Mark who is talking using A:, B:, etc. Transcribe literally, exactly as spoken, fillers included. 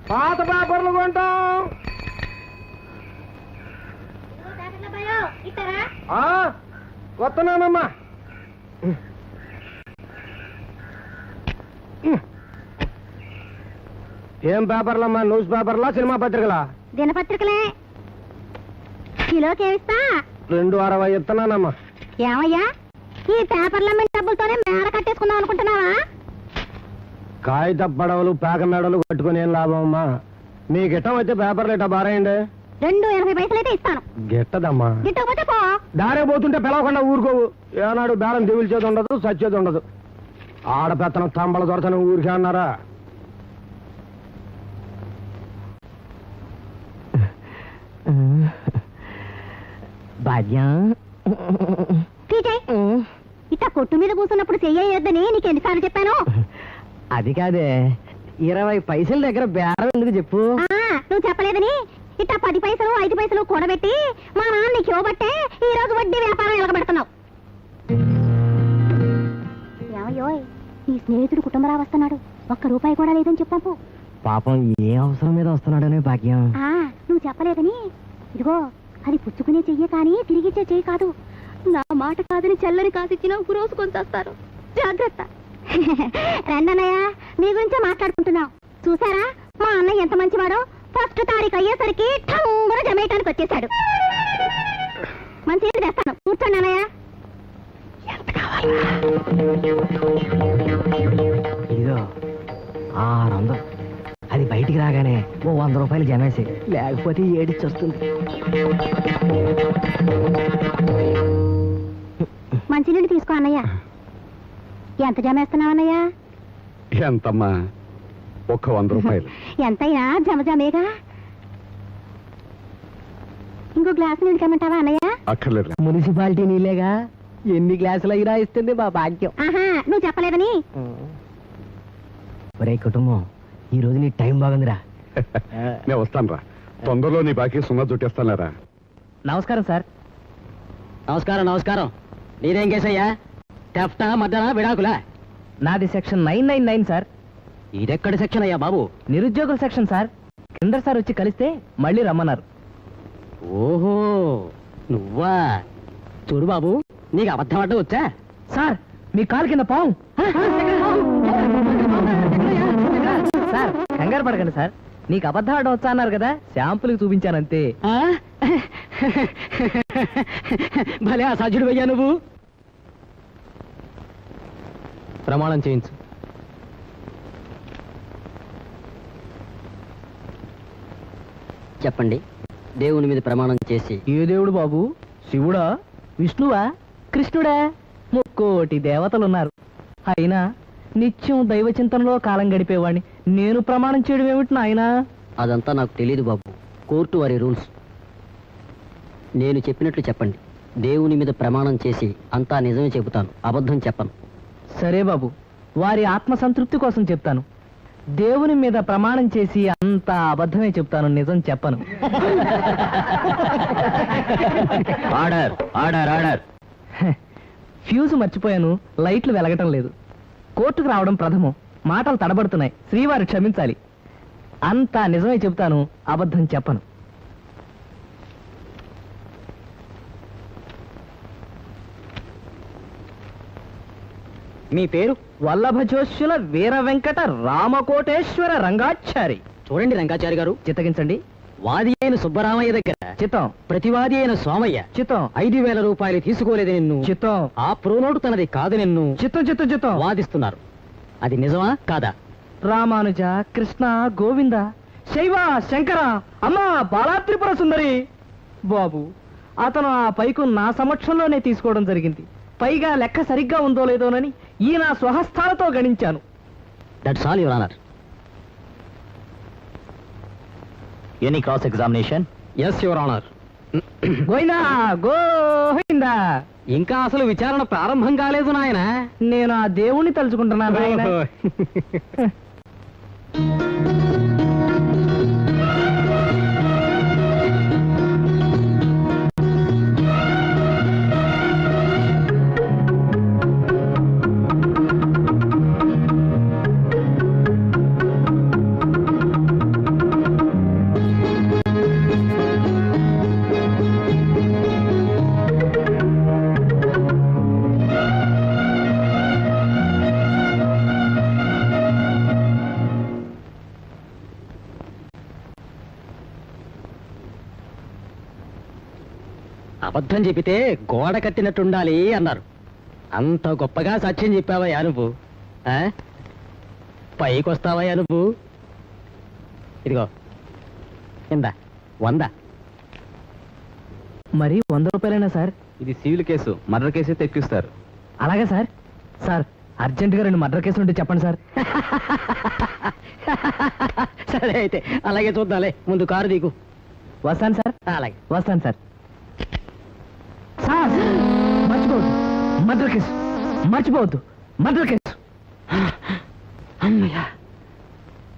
A: పాత పేపర్లు కొంటాం. వస్తున్నానమ్మా. ఏం పేపర్లమ్మా? News పేపర్లా, cinema పత్రికలా?
B: దినపత్రికలే. కిలోకి ఏమిస్తా?
A: రెండు అరవై ఇస్తున్నానమ్మా.
B: ఏమయ్యా, ఈ పేపర్ల మీద డబ్బులతోనే మేడ కట్టేసుకుందాం అనుకుంటున్నావా?
A: కాగిత పడవలు పేక మేడలు కట్టుకుని ఏం లాభం అమ్మా? మీ గిట్టం అయితే పేపర్లు ఇట్లా బారేయండి.
B: రెండు ఎనభై పైసలు అయితే ఇస్తాను.
A: గిట్టదమ్మా.
B: గిట్టకపోతే పో.
A: దారే పోతుంటే పిలవకుండా ఊరుకోవు. ఏనాడు బేరం దిగుల్చేది ఉండదు, సచ్చేది ఉండదు. ఆడపెత్తనం తంబల దొరతనం ఊరికే అన్నారా?
C: భాగ్యం,
B: ఇట్ట కొట్టు మీద కూర్చున్నప్పుడు చెయ్యొద్దని నీకు ఎన్నిసార్లు చెప్పాను?
C: అది కాదే, ఇరవై పైసల దగ్గర బేరం ఎందుకు చెప్పు.
B: నువ్వు చెప్పలేదని ఇట్ట పది పైసలు ఐదు పైసలు కూడబెట్టి మా నాన్న నీకు ఇవ్వబట్టే ఈ రోజు వడ్డీ వ్యాపారం ఎలగబెడుతున్నావు. ఏమయ్యోయ్, నీ స్నేహితుడు కుటుంబరావు వస్తున్నాడు, ఒక్క రూపాయి కూడా లేదని చెప్పు.
C: పాపం ఏ అవసరం మీద వస్తున్నాడనే భాగ్యం.
B: నువ్వు చెప్పలేదని ఇదిగో, అది పుచ్చుకునే చెయ్యి కానీ తిరిగిచ్చే చెయ్యి కాదు. నా మాట కాదని చల్లని కాసిచ్చిన రోజు కొంచేస్తారు. జాగ్రత్త. రండన్నయ్య, మీ గురించే మాట్లాడుకుంటున్నాం. చూసారా మా అన్నయ్య ఎంత మంచివాడో? ఫస్ట్ తారీఖు అయ్యేసరికి ఠంగున జమేయటానికి వచ్చేసాడు. మంచి తెస్తాను, కూర్చోండి అన్నయ్య.
C: ఎంత కావాలి? ఇదిగో ఆరు వందలు. అది బయటికి రాగానే ఓ వంద రూపాయలు జమేసి, లేకపోతే ఏడిచి వస్తుంది.
B: మంచినీళ్ళు తీసుకో అన్నయ్య. ఎంత జమేస్తున్నావు అన్నయ్య?
A: ఎంతమ్మా? ఒక్క వంద రూపాయలు.
B: ఎంతైనా జమ జమేగా. ఇంకో గ్లాసు నీళ్ళు కమ్మంటావా అన్నయ్య?
A: అక్కర్లేదు.
C: మున్సిపాలిటీ నీళ్ళేగా, ఎన్ని గ్లాసులు అయినా ఇస్తుంది మా భాగ్యం.
B: ఆహా, నువ్వు చెప్పలేదని.
C: ఒరే కుటుంబం, ఈ రోజు నీ టైం బాగుందిరా.
A: నేను వస్తాను రా, తొందరలో నీ బాకీ సున్నా చుట్టేస్తానారా.
C: నమస్కారం సార్. నమస్కారం నమస్కారం. నీదేం కేసయ్యా? టెఫ్టా మద్దనా విడాకులా? నాది section nine nine nine sir. ఇదెక్కడి సెక్షన్ అయ్యా బాబు? నిరుద్యోగుల సెక్షన్ సార్. కింద సార్ వచ్చి కలిస్తే మళ్ళీ రమ్మన్నారు. ఓహో, నువ్వా? చూడు బాబు, నీకు అబద్ధం అడ్డం వచ్చా? సార్, మీ కాలు కింద పావు. సార్, కంగారు పడకండి సార్, నీకు అబద్ధం ఆడడం వచ్చా అన్నారు కదా, శాంపుల్కి చూపించానంతే. భలే అసాధ్యుడు అయ్యా నువ్వు. ప్రమాణం చేయించు.
D: చెప్పండి. దేవుని మీద ప్రమాణం చేసి.
C: ఏ దేవుడు బాబు? శివుడా, విష్ణువా, కృష్ణుడా? ముక్కోటి దేవతలున్నారు. అయినా నిత్యం దైవ చింతనలో కాలం గడిపేవాడిని నేను ప్రమాణం చేయడం ఏమిటి నాయనా?
D: అదంతా నాకు తెలియదు బాబు, కోర్టు వారి రూల్స్. నేను చెప్పినట్లు చెప్పండి. దేవుని మీద ప్రమాణం చేసి అంతా నిజమే చెబుతాను, అబద్ధం చెప్పను.
C: సరే బాబు, వారి ఆత్మ సంతృప్తి కోసం చెప్తాను. దేవుని మీద ప్రమాణం చేసి అంతా అబద్ధమే చెప్తాను, నిజం చెప్పను.
D: Order order order.
C: ఫ్యూజ్ మర్చిపోయాను, లైట్లు వెలగటం లేదు. కోర్టుకు రావడం ప్రథమం, మాటలు తడబడుతున్నాయి, శ్రీవారు క్షమించాలి. అంతా నిజమే చెప్తాను, అబద్ధం చెప్పను. మీ పేరు? వల్లభజోష్యుల వీర వెంకట రామకోటేశ్వర రంగాచారి.
D: చూడండి రంగాచారి గారు,
C: చిత్తగించండి.
D: వాది అయిన సుబ్బరామయ్య దగ్గర
C: చిత్తం.
D: ప్రతివాది అయిన సోమయ్య
C: చిత్తం.
D: ఐదు వేల రూపాయలు తీసుకోలేదు నిన్ను.
C: చిత్తం.
D: ఆ ప్రోనోటు తనది కాదు నిన్ను.
C: చిత్తం చిత్తం చిత్తం.
D: వాదిస్తున్నారు, అది నిజమా కాదా?
C: రామానుజ, కృష్ణ, గోవింద, శైవ, శంకర, అమ్మా బాలాత్రిపుర సుందరి. బాబు, అతను ఆ పైకు నా సమక్షంలోనే తీసుకోవడం జరిగింది. పైగా లెక్క సరిగ్గా ఉందో లేదోనని ఈ నా స్వహస్తాలతో గణించాను.
D: That's all your honour. Any cross examination? Yes your honour.
C: Govinda Govinda.
D: ఇంకా అసలు విచారణ ప్రారంభం కాలేదు నాయన.
C: నేను ఆ దేవుణ్ణి తలుచుకుంటున్నాను నాయన. అబద్ధం చెప్పితే గోడ కట్టినట్టుండాలి అన్నారు. అంత గొప్పగా సత్యం చెప్పావయ్యా నువ్వు. ఆ? పైకి వస్తావయ్యా నువ్వు. ఇదిగో ఇందా వంద.
E: మరి వంద రూపాయలైనా సార్?
C: ఇది సివిల్ కేసు, మర్డర్ కేసే తెప్పిస్తారు.
E: అలాగే సార్. సార్ అర్జెంటుగా రెండు మర్డర్ కేసులు ఉంటే చెప్పండి సార్.
C: సరే అయితే అలాగే చూద్దాలే. ముందు కారు దిగు.
E: వస్తాను సార్.
C: అలాగే.
E: వస్తాను సార్. సార్ మర్చిపోవద్దు మర్డర్ కేసు, మర్చిపోవద్దు మర్డర్ కేసు.